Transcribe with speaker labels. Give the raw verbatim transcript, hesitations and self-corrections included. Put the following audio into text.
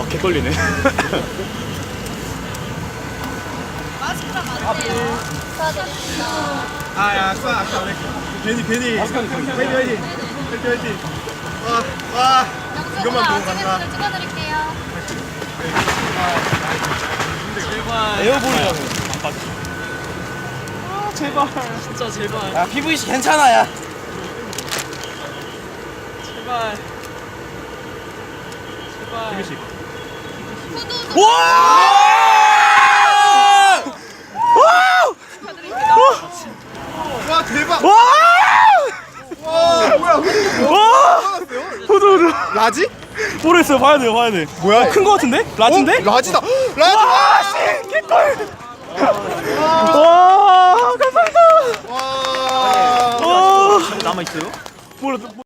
Speaker 1: 개떨리네.
Speaker 2: 마스크랑 맞네요. 축하드립니다.
Speaker 3: 아, 야, 아까 아까 우리 괜히 괜히 화이팅 화이팅 화이팅 화이팅. 와, 와. 이것만 보고 간다.
Speaker 2: 영상을 찍어드릴게요.
Speaker 1: 에어볼이라고. 안 빠져. 아, 제발.
Speaker 4: 진짜 제발.
Speaker 5: 야 피브이씨 괜찮아 야.
Speaker 4: 제발. 제발.
Speaker 1: 피비씨.
Speaker 2: 후두도
Speaker 5: 와!
Speaker 3: 와, 대박.
Speaker 1: 와!
Speaker 3: 와, 뭐야?
Speaker 1: 와! 후드 후드.
Speaker 3: 라지?
Speaker 1: 모르겠어요. 봐야 돼요. 봐야 돼.
Speaker 3: 뭐야?
Speaker 1: 큰 거 같은데? 라지인데?
Speaker 3: 어? 라지다. 라지.
Speaker 1: 와, 씨, 개꿀. 와, 감사합니다.
Speaker 3: 와.
Speaker 1: 와,
Speaker 4: 남아 있어요?
Speaker 1: 몰라.